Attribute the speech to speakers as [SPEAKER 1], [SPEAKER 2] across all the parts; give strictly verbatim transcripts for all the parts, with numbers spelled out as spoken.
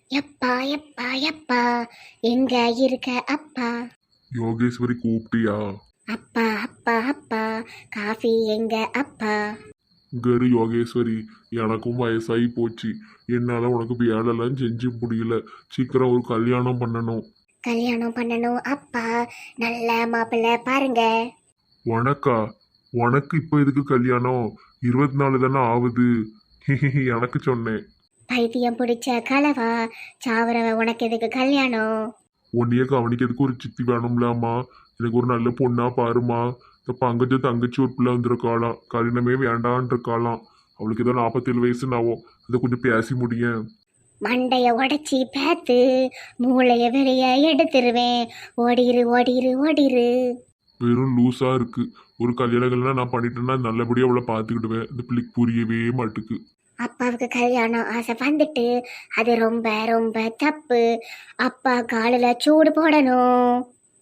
[SPEAKER 1] எப்பா எப்பா எப்பா எங்க இருக்க அப்பா?
[SPEAKER 2] யோகேஸ்வரி கூப்பிட்டியா?
[SPEAKER 1] அப்பா அப்பா அப்பா காஃபி எங்க அப்பா?
[SPEAKER 2] கரு யோகேஸ்வரி, எனக்கும் வயசாகி போச்சு. என்னால உனக்கு வேலைலாம் செஞ்சு முடியல. சீக்கிரம் ஒரு கல்யாணம் பண்ணணும்.
[SPEAKER 1] கல்யாணம் பண்ணணும் அப்பா. நல்ல மாப்பிள்ளை பாருங்க.
[SPEAKER 2] உனக்கா? உனக்கு இப்போ எதுக்கு கல்யாணம்? இருபத்தி நாலு தானே ஆகுது. எனக்கு சொன்னேன்.
[SPEAKER 1] பைத்தியம் பிடிச்ச கலவா, சாவரவ உனக்கு எதுக்கு கல்யாணம்?
[SPEAKER 2] உன்னையே கவனிக்கிறதுக்கு ஒரு சித்தி வேணும்லாமா? எனக்கு ஒரு நல்ல பொண்ணா பாருமா. இந்த பங்கஜ தங்கச்சி ஒரு பிள்ளை வந்திருக்காளாம். கல்யாணமே வேண்டான் இருக்காளாம். அவளுக்கு ஏதோ நாற்பத்தேழு வயசு நாவும். அதை கொஞ்சம் பேசி முடியேன்.
[SPEAKER 1] மண்டைய உடைச்சி பேத்து மூளைய வெளிய எடுத்துருவேன். ஓடிரு ஓடிரு ஓடிரு.
[SPEAKER 2] வெறும் லூஸா இருக்கு. ஒரு கல்யாணங்கள்லாம் நான் பண்ணிட்டேன்னா நல்லபடியா அவளை பார்த்துக்கிடுவேன். இந்த பிள்ளைக்கு புரியவே மாட்டுக்கு.
[SPEAKER 1] அப்பாவுக்கு கல்யாணம் ஆசை வந்துட்டு அது ரொம்ப ரொம்ப தப்பு. அப்பா காலில் சூடு போடணும்.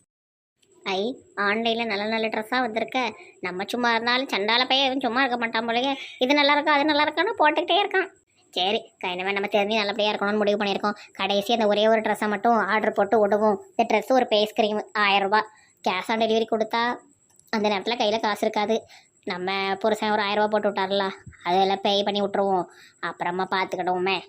[SPEAKER 1] ஐ, ஆன்லைனில் நல்ல நல்ல ட்ரெஸ்ஸாக வந்திருக்க. நம்ம சும்மா இருந்தாலும் சண்டால பையன் எதுவும் சும்மா இருக்க மாட்டான் போலயே. இது நல்லா இருக்கா அது நல்லா இருக்கான்னு போட்டுக்கிட்டே இருக்கான். சரி, கைனமே நம்ம தெரிஞ்சு நல்லபடியாக இருக்கணும்னு முடிவு பண்ணியிருக்கோம். கடைசி அந்த ஒரே ஒரு ட்ரெஸ்ஸை மட்டும் ஆர்டர் போட்டு விடுவோம். இந்த ட்ரெஸ்ஸு ஒரு பேஸ் க்ரீம் ஆயிரம் ரூபாய். கேஷ் ஆன் டெலிவரி கொடுத்தா அந்த நேரத்தில் கையில் காசு இருக்காது. நம்ம புருஷன் ஒரு ஆயிரம் ரூபா போட்டு விட்டார்ல, அதெல்லாம் பே பண்ணி விட்ருவோம். அப்புறமா பார்த்துக்கிடுவோமே.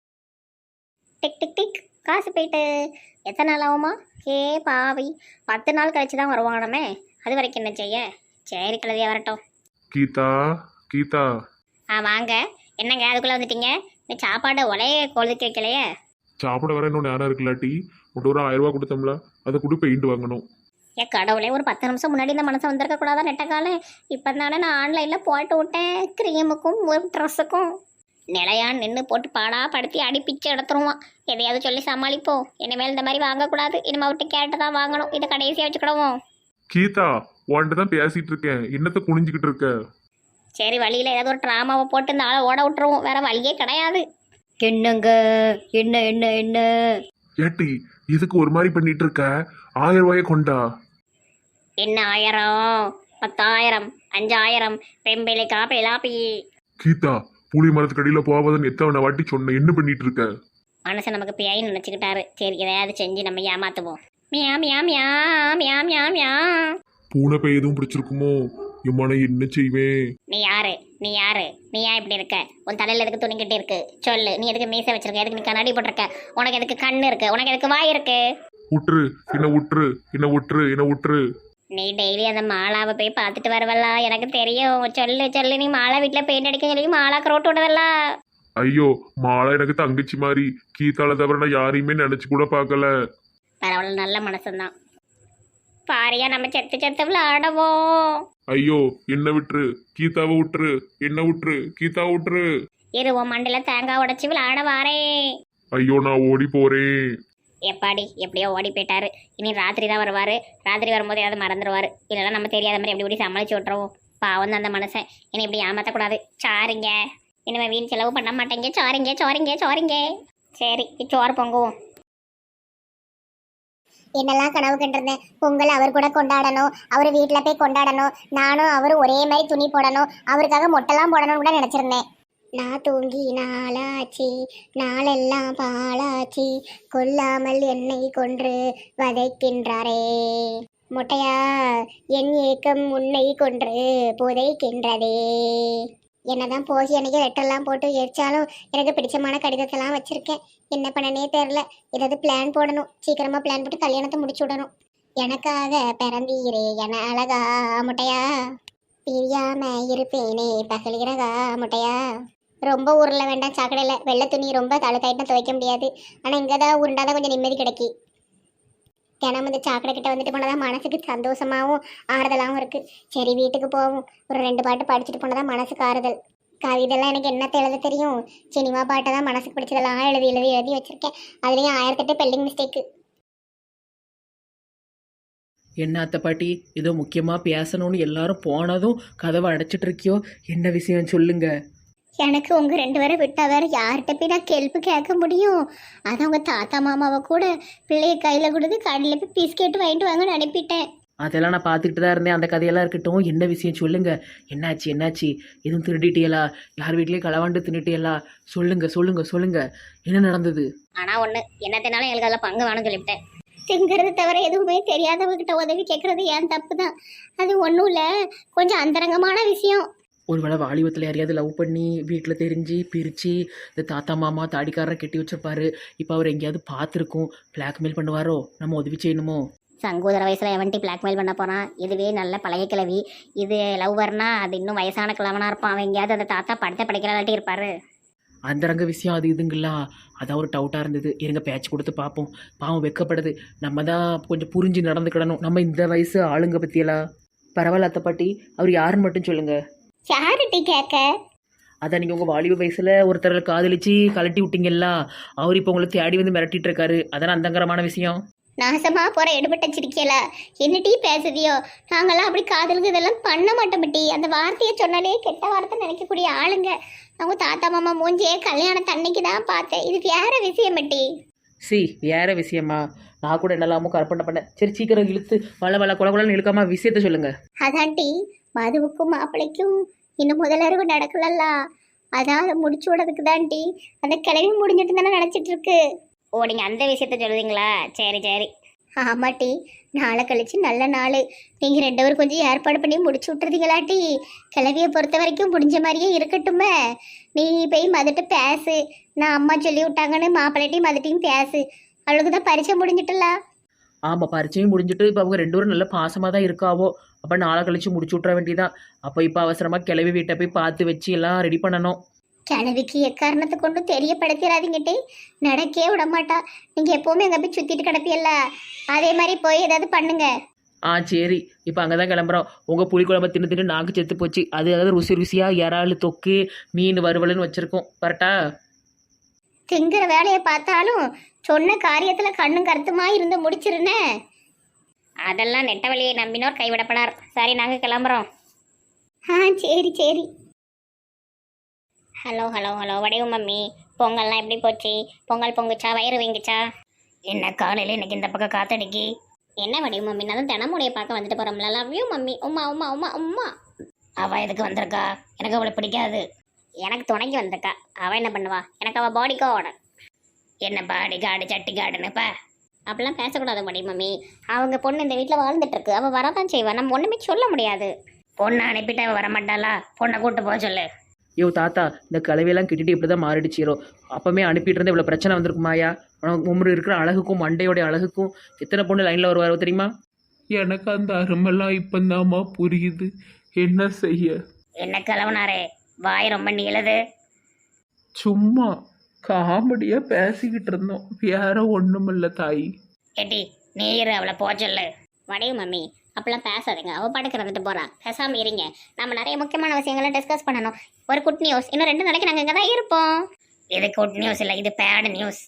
[SPEAKER 1] டிக் டிக் டிக், காசு போயிட்டு எத்தனை நாள் ஆகுமா? ஏ பாவி, பத்து நாள் கழிச்சு தான் வருவாங்கடமே. அது வரைக்கும் என்ன செய்ய? சரி, கழுதியாக வரட்டும்.
[SPEAKER 2] கீதா, கீதா.
[SPEAKER 1] ஆ வாங்க. என்னங்க அதுக்குள்ளே வந்துட்டீங்க? இந்த சாப்பாடு ஒலைய கொழுதுக்கு வைக்கலையே.
[SPEAKER 2] சாப்பிட வர இன்னும் நேரம் இருக்குல்லாட்டி உன்ட்டு ஒரு ஆயிரம் ரூபா கொடுத்தோம்ல, அதை கூட பெயிண்ட் வாங்கணும்.
[SPEAKER 1] ஏன் கடவுளே, ஒரு பத்து நிமிஷம் முன்னாடி இந்த மனசை வந்திருக்க கூடாதா? நெட்டக்கால இப்போ தானே நான் ஆன்லைனில் போட்டு விட்டேன். க்ரீமுக்கும் ஒரு ட்ரெஸ்ஸுக்கும் நிலையான் நின்று போட்டு பாடா படுத்தி அடி பிச்சு எடுத்துருவான். எதையாவது சொல்லி சமாளிப்போம். இனிமேல் இந்த மாதிரி வாங்கக்கூடாது. இனிமேல் விட்டு கேட்டு தான் வாங்கணும். இதை கடைசியாக வச்சுக்கிடுவோம்.
[SPEAKER 2] கீதா, உன்கிட்ட தான் பேசிட்டு இருக்கேன். என்னத்தை குனிஞ்சுக்கிட்டு இருக்க?
[SPEAKER 1] சரி, வழியில் ஏதாவது ஒரு ட்ராமாவை போட்டு இந்த ஆளை ஓட விட்டுருவோம். வேற வழியே கிடையாது. என்னங்க? என்ன என்ன என்ன?
[SPEAKER 2] ஏட்டி, இதுக்கு ஒரு மாதிரி பண்ணிட்டு இருக்க? ஆயிரம் ரூபாயை கொண்டா.
[SPEAKER 1] என்ன ஆயிரம்? பத்தாயிரம், அஞ்சாயிரம், பெம்பிளிக்கா பிலாப்பி.
[SPEAKER 2] கீதா, புளி மரத்துக்கடியில போவாதன்னு எத்தனை வாட்டி சொன்ன. என்ன பண்ணிட்டு இருக்க?
[SPEAKER 1] மனசை நமக்கு பியாயின்னு நினச்சிக்கிட்டாரு. சரி, எதையாவது செஞ்சு நம்ம ஏமாத்துவோம். மியா மியா மியா மியா மியா மியா.
[SPEAKER 2] பூனை பை எதுவும் பிடிச்சிருக்குமோ? இம்மான என்ன செய்வேன்?
[SPEAKER 1] நீ யாரு? நீ யாரு? நீ ஏன் இப்படி இருக்க? உன் தலையில் எதுக்கு துணிக்கிட்டு இருக்கு? சொல்லு. நீ எதுக்கு மீசை வச்சிருக்க? எதுக்கு நீ கண்ணாடி போட்டிருக்க? உனக்கு எதுக்கு கண்ணு இருக்கு? உனக்கு எதுக்கு வாய் இருக்கு?
[SPEAKER 2] உற்று என்ன உற்று என்ன உற்று என்ன உற்று.
[SPEAKER 1] நீ டெய்லி அந்த மாலாவை போய் பார்த்துட்டு வரவல்லா? எனக்கு தெரியும். சொல்லு சொல்லு. நீ மாலா வீட்டில் பெயிண்ட் அடிக்க சொல்லி மாலாக்கு ரோட்டு விடுவல்ல?
[SPEAKER 2] ஐயோ, மாலா எனக்கு தங்கச்சி மாதிரி. கீதால தவிர நான் யாரையுமே நினைச்சு கூட பார்க்கல.
[SPEAKER 1] பரவாயில்ல, நல்ல மனசுதான். பாரியா, நம்ம செத்து செத்து விளையாடவோம்.
[SPEAKER 2] ஐயோ, என்ன விட்டுரு. கீதாவை விட்டுரு. என்ன விட்டுரு. கீதாவை விட்டுரு.
[SPEAKER 1] இரு, உன் மண்டில தேங்காய் உடைச்சி விளையாட வாரே.
[SPEAKER 2] ஐயோ, நான் ஓடி போறேன்.
[SPEAKER 1] எப்பாடி, எப்படியோ ஓடி போயிட்டாரு. இனி ராத்திரி தான் வருவார். ராத்திரி வரும்போது ஏதாவது மறந்துடுவார். இல்லைன்னா நம்ம தெரியாத மாதிரி எப்படி இப்படி சமாளிச்சு விட்ருவோம். பாவம் தான் அந்த மனுஷன். இனி இப்படி ஏமாற்றக்கூடாது. சாரிங்க, இனிமேல் வீண் செலவு பண்ண மாட்டேங்க. சாரிங்க சாரிங்க சாரிங்க. சரி, சோறு பொங்குவோம். என்னெல்லாம் கனவு கண்டிருந்தேன். பொங்கல் அவர் கூட கொண்டாடணும், அவர் வீட்டில் போய் கொண்டாடணும், நானும் அவரும் ஒரே மாதிரி துணி போடணும், அவருக்காக மொட்டைலாம் போடணும்னு கூட நினச்சிருந்தேன். நான் தூங்கி நாளாச்சி, நாளெல்லாம் பாலாச்சி, கொல்லாமல் என்னை கொன்று வதைக்கின்றாரே. மொட்டையா, என் ஏக்கம் உன்னை கொன்று புதைக்கின்றதே. என்னதான் போகி அன்னைக்கு லெட்டர்லாம் போட்டு எரிச்சாலும் எனக்கு பிடிச்சமான கடிதத்தெல்லாம் வச்சிருக்கேன். என்ன பண்ணனே தெரில. ஏதாவது பிளான் போடணும். சீக்கிரமா பிளான் போட்டு கல்யாணத்தை முடிச்சு விடணும். எனக்காக பிறந்தீரே என அழகா முட்டையா, பிரியாம இருப்பேனே பகலிரகா முட்டையா. ரொம்ப ஊர்ல வேண்டாம் சாக்கடையில். வெள்ளை துணி ரொம்ப தழுத்தாயிட்டும் துவைக்க முடியாது. ஆனால் இங்கே தான் உருண்டாதான் கொஞ்சம் நிம்மதி கிடைக்கி. தினமும் இந்த சாக்கடை கிட்ட வந்துட்டு போனதான் மனசுக்கு சந்தோஷமாகவும் ஆறுதலாகவும் இருக்கு. சரி, வீட்டுக்கு போவோம். ஒரு ரெண்டு பாட்டு படிச்சுட்டு போனதான் மனசுக்கு ஆறுதல். கவிதெல்லாம் எனக்கு என்னத்தை எழுத தெரியும்? சினிமா பாட்டை தான் மனசுக்கு பிடிச்சதெல்லாம் எழுதி எழுதி எழுதி வச்சிருக்கேன். அதுலேயும் ஆயிரத்தெட்டு பெல்லிங் மிஸ்டேக்கு.
[SPEAKER 3] என்ன அத்தை பாட்டி, ஏதோ முக்கியமாக பேசணும்னு எல்லாரும் போனதும் கதவை அடைச்சிட்டு இருக்கியோ? என்ன விஷயம் சொல்லுங்க.
[SPEAKER 1] எனக்கு உங்கள் ரெண்டு பேரை விட்டால் வேறு யார்கிட்ட போய் நான் கேள்வி கேட்க முடியும்? அதான் உங்கள் தாத்தா மாமாவை கூட பிள்ளைய கையில் கொடுத்து கடையில் போய் பிஸ்கெட்டு வாங்கிட்டு வாங்கன்னு அனுப்பிட்டேன்.
[SPEAKER 3] அதெல்லாம் நான் பார்த்துக்கிட்டு தான் இருந்தேன். அந்த கதையெல்லாம் இருக்கட்டும். என்ன விஷயம் சொல்லுங்க. என்னாச்சு என்னாச்சு? எதுவும் திருடிட்டியலா? யார் வீட்லேயும் களவாண்டு தின்னுட்டியலா? சொல்லுங்க சொல்லுங்க சொல்லுங்க. என்ன நடந்தது?
[SPEAKER 1] ஆனா ஒண்ணு என்னத்தினாலும் எங்களுக்கு அதில் பங்கு வேணும்னு சொல்லிவிட்டேன். திங்கிறது தவிர எதுவுமே தெரியாதவங்கிட்ட உதவி கேட்கறது ஏன் தப்பு தான். அது ஒன்றும் இல்லை, கொஞ்சம் அந்தரங்கமான விஷயம்.
[SPEAKER 3] ஒருவேளை வாலிபத்தில் யாரையாவது லவ் பண்ணி வீட்டில் தெரிஞ்சு பிரித்து இந்த தாத்தா மாமா தாடிக்காரரை கட்டி வச்சிருப்பாரு. இப்போ அவர் எங்கேயாவது பார்த்துருக்கோம், பிளாக்மெயில் பண்ணுவாரோ, நம்ம உதவி செய்யணுமோ?
[SPEAKER 1] சங்கோதர வயசுல எவன்ட்டி பிளாக்மெயில் பண்ண போறான். இதுவே நல்ல பழைய கிழவி. இது லவ்வர்னா அது இன்னும் வயசான கிழவனா இருப்பான். அவன் எங்கேயாவது அந்த தாத்தா படத்தை படிக்கிறாட்டி இருப்பாரு.
[SPEAKER 3] அந்தரங்க விஷயம் அது இதுங்களா? அதான் ஒரு டவுட்டாக இருந்தது. இருங்க பேச்சு கொடுத்து பார்ப்போம். பாவம் வெக்கப்படுது. நம்ம தான் கொஞ்சம் புரிஞ்சு நடந்துக்கிடணும். நம்ம இந்த வயசு ஆளுங்க பற்றியெல்லாம். பரவாயில்ல அத்தை பாட்டி, அவர் யாருன்னு மட்டும் சொல்லுங்கள்.
[SPEAKER 1] யார்கிட்ட கேட்க?
[SPEAKER 3] அதான் நீங்கள் உங்கள் வாலிப வயசில் ஒருத்தரை காதலிச்சு கலட்டி விட்டீங்களா, அவர் இப்போ உங்களை தேடி வந்து மிரட்டிட்டு இருக்காரு. அதான அந்தங்கரமான விஷயம்.
[SPEAKER 1] நாசமா போற எடுபட்ட சிரிக்கல. என்ன டீ பேசுதியோ? நாங்கெல்லாம் அப்படி காதலுக்கு இதெல்லாம் பண்ண மாட்டோம் டீ. அந்த வார்த்தையை சொன்னாலே கெட்ட வார்த்தை நினைக்கக்கூடிய ஆளுங்க. அவங்க தாத்தா மாமா மூஞ்சியே கல்யாணம் தன்னைக்கு தான் பார்த்தேன். இது வேற விஷயம் டீ.
[SPEAKER 3] சி வேற விஷயமா? நான் கூட என்னெல்லாமோ கற்பனை பண்ணேன். சரி சீக்கிரம் இழுத்து வள வள குல குலன்னு இழுக்காம விஷயத்த சொல்லுங்க.
[SPEAKER 1] அதான் டீ, மதுவுக்கும் மாப்பிள்ளைக்கும் இன்னும் முதலறிவு நடக்கலல்ல. அதான் அதை முடிச்சு விடுறதுக்கு தான் டீ. அந்த கிளவி முடிஞ்சிட்டு தானே நினைச்சிட்டு இருக்கு. ஓ, நீங்க அந்த விஷயத்த சொல்லுவீங்களா? சரி சரி. ஆமா டீ, நாளை கழிச்சு நல்ல நாள். நீங்க ரெண்டு பேரும் கொஞ்சம் ஏற்பாடு பண்ணி முடிச்சு விட்டுறதுங்களா டீ? கிளவியை பொறுத்த வரைக்கும் முடிஞ்ச மாதிரியே இருக்கட்டுமே. நீ போய் மதுட்டு பேசு. நான் அம்மா சொல்லி விட்டாங்கன்னு மாப்பிள்ளைட்டையும் மதுட்டையும் பேசு. அவளுக்கு தான் பரிச்சை முடிஞ்சிட்டல.
[SPEAKER 3] ஆமாம், பரிச்சையும் முடிஞ்சுட்டு இப்போ அவங்க ரெண்டு பேரும் நல்ல பாசமாக தான் இருக்காவோ. அப்போ நாளை கழிச்சு முடிச்சு விட்ற வேண்டியதான். அப்போ இப்போ அவசரமாக கிளவி வீட்டை போய் பார்த்து வச்சு எல்லாம் ரெடி பண்ணணும்.
[SPEAKER 1] கிளவிக்கு எக்காரணத்தை கொண்டு தெரியப்படுத்திடாதீங்கட்டே. நடக்கே விட மாட்டா. நீங்க எப்பவுமே அங்கே போய் சுத்திட்டு கிடப்பியல்ல, அதே மாதிரி போய் ஏதாவது பண்ணுங்க.
[SPEAKER 3] ஆ சரி, இப்போ அங்கே தான் கிளம்புறோம். உங்கள் புளிக்குழம்பு தின்னு தின்னு நாக்கு செத்து போச்சு. அது அதாவது ருசி ருசியாக இறால் தொக்கு மீன் வறுவலுன்னு வச்சுருக்கோம். கரெக்டா?
[SPEAKER 1] திங்கிற வேலையை பார்த்தாலும் சொன்ன காரியத்துல கண்ணும் கருத்துமா இருந்து முடிச்சிருனே. அதெல்லாம் நெட்ட வழியை நம்பினோர் கைவிடப்படார். சரி, நாங்க கிளம்புறோம். ஆ சரி சரி. Hello hello hello Vadivu mummy, பொங்கல்லாம் எப்படி போச்சு? பொங்கல் பொங்குச்சா? வயிறு வீங்குச்சா? என்ன காலையில் இன்னைக்கு இந்த பக்கம் காத்தடிக்கி? என்ன வடிவு மம்மி, நான் தான் தினமுடைய பார்க்க வந்துட்டு போகிறோம்ல. Love you mummy. Uma Uma Uma Uma. அவள் எதுக்கு வந்திருக்கா? எனக்கு அவளை பிடிக்காது. எனக்கு துணைக்கு வந்திருக்கா. அவள் என்ன பண்ணுவா? எனக்கு அவள் பாடி கார்டு. என்ன பாடி கார்டு சட்டி கார்டுன்னுப்பா? அப்படிலாம் பேசக்கூடாது வடிவு மம்மி. அவங்க பொண்ணு இந்த வீட்டில் வாழ்ந்துட்டு இருக்கு. அவள் வரதான் செய்வாள். நம்ம ஒன்றுமே சொல்ல முடியாது. பொண்ணை அனுப்பிட்டு அவள் வரமாட்டாளா? பொண்ணை கூட்டு போக சொல்லு.
[SPEAKER 3] ஐயோ தாத்தா, இந்த கலவையெல்லாம் கிட்டிட்டு இப்படி தான் மாறிடுச்சிரோ. அப்போமே அனுப்பிட்டு இருந்தால் இவ்வளோ பிரச்சனை வந்திருக்குமாயா? உமரு இருக்கிற அழகுக்கும் மண்டையோடைய அழகுக்கும் எத்தனை பொண்ணு லைனில் வருவாரோ தெரியுமா?
[SPEAKER 4] எனக்கு அந்த அருமெல்லாம் இப்போந்தாம்மா புரியுது. என்ன செய்ய?
[SPEAKER 1] என்ன கிளவுனாரே, வாய் ரொம்ப நீளது.
[SPEAKER 4] சும்மா காமெடியாக பேசிக்கிட்டு இருந்தோம், வேற ஒன்றும் இல்லை தாயி.
[SPEAKER 1] ஏட்டி நீர் அவளை போக சொல்லு. வடிவு மம்மி, அப்பெல்லாம் பேசாதீங்க. அவள் பாட்டுக்கு இருந்துட்டு போறா. பேசாமல் இருங்க. நம்ம நிறைய முக்கியமான விஷயங்களை டிஸ்கஸ் பண்ணணும். ஒரு குட் நியூஸ், இன்னும் ரெண்டு நாளைக்கு நாங்கள் இங்கே தான் இருப்போம். இது குட் நியூஸ் இல்லை, இது பேட் நியூஸ்.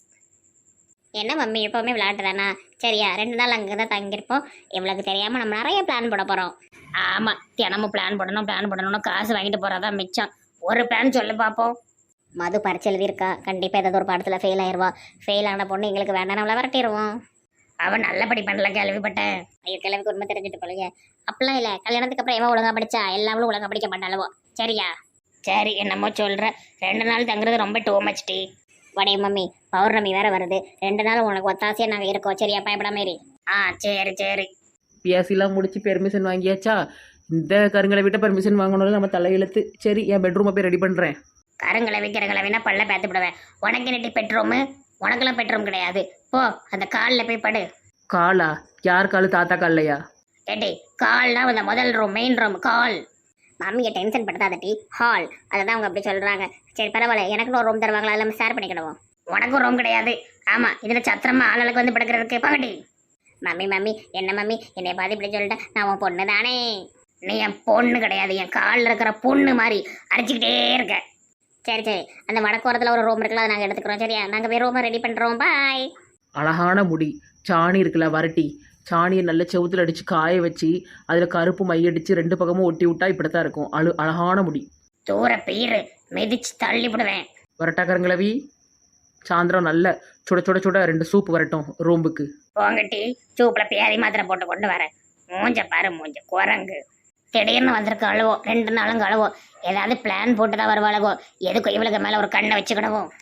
[SPEAKER 1] என்ன மம்மி, எப்போவுமே விளையாட்டு தானா? சரியா, ரெண்டு நாள் அங்கே தான் தங்கியிருப்போம். இவளுக்கு தெரியாமல் நம்ம நிறைய பிளான் போட போகிறோம். ஆமாம், தினமும் பிளான் போடணும் பிளான் போடணும்னு காசு வாங்கிட்டு போகிறதா மிச்சம். ஒரு பிளான் சொல்லு பார்ப்போம். மது பரிச்சு எழுதியிருக்கா. கண்டிப்பாக ஏதாவது ஒரு பாடத்தில் ஃபெயில் ஆயிடுவா. ஃபெயில் ஆன பொண்ணு எங்களுக்கு வேண்டாம், நம்மளை விரட்டிடுவோம். அவன் நல்லபடி பண்ணல, கேள்விப்பட்டேன். ஐயோ, கிழவிக்கு உண்மை தெரிஞ்சுட்டு போலங்க. அப்படிலாம் இல்லை, கல்யாணத்துக்கு அப்புறம் எவன் ஒழுங்கா படிச்சா? எல்லாமே ஒழுங்கா படிக்க மாட்டாளவோ. சரியா? சரி, என்னமோ சொல்கிற. ரெண்டு நாள் தங்குறது ரொம்ப டூ மச் டீ. வடைய மம்மி, பௌர்ணமி வேற வருது. ரெண்டு நாள் உனக்கு ஒத்தாசையாக நாங்கள் இருக்கோம். சரியா? பயப்படாம மாரி. ஆ சரி சரி.
[SPEAKER 3] பிஎஸ்சிலாம் முடிச்சு பெர்மிஷன் வாங்கியாச்சா? இந்த கருங்களை விட்ட பெர்மிஷன் வாங்கணும்னு நம்ம தலையெழுத்து. சரி, என் பெட்ரூமை போய் ரெடி பண்ணுறேன்.
[SPEAKER 1] கருங்களை விற்கிறங்களை வேணா பல்ல பேத்து விடுவேன். உனக்கு நெட்டி பெட்ரூமு? உனக்கெல்லாம் பெட்ரூம் கிடையாது. போ, அந்த காலில் போய் படு.
[SPEAKER 3] காலா? யார் காலு? தாத்தா கால்லையா?
[SPEAKER 1] ஏட்டி, கால்னா அந்த முதல் ரூம், மெயின் ரூம் கால். மம்மியை டென்ஷன் படுத்தாத டி. ஹால், அதை தான் அவங்க அப்படி சொல்கிறாங்க. சரி பரவாயில்ல, எனக்குன்னு ஒரு ரூம் தருவாங்களா? எல்லாம் ஷேர் பண்ணிக்கிடுவோம். உனக்கும் ரூம் கிடையாது. ஆமாம், இதில் சத்திரமா ஆளுக்கு வந்து படுக்கிறதுக்கு பகட்டி. மம்மி மம்மி என்ன மம்மி, என்னை பார்த்து இப்படி சொல்லிட்டேன். நான் உன் பொண்ணு தானே. நீ என் பொண்ணு கிடையாது, என் காலில் இருக்கிற பொண்ணு மாதிரி அடிச்சுக்கிட்டே இருக்க. சரி சரி, அந்த வடக்கோரத்தில் ஒரு ரூம் இருக்குல்ல, அதை நாங்கள் எடுத்துக்கிறோம். சரியா? நாங்கள் போய் ரூமை ரெடி பண்ணுறோம். பாய்.
[SPEAKER 3] அழகான முடி, சாணி இருக்குல்ல வரட்டி, சாணியை நல்ல செவுத்துல அடித்து காய வச்சு அதில் கருப்பு மையடித்து ரெண்டு பக்கமும் ஒட்டி விட்டா இப்படித்தான் இருக்கும். அழு அழகான முடி.
[SPEAKER 1] தூர பீரு மிதிச்சு தள்ளி விடுவேன்.
[SPEAKER 3] வரட்டாக்கரங்களவி, சாயந்தரம் நல்ல சுட சுட சுட ரெண்டு சூப் வரட்டும் ரூம்புக்கு.
[SPEAKER 1] போங்கட்டி, சூப்பில் பேதி மாத்திரை போட்டு கொண்டு வரேன். மூஞ்ச பாரு மூஞ்ச குரங்கு. திடீர்னு வந்திருக்க அழுவோ ரெண்டு நாளும் அழுவோ ஏதாவது பிளான் போட்டு தான் வருவாளவோ எதுக்கும் இவளுக்கு மேல ஒரு கண்ணை வச்சுக்கிடவும்.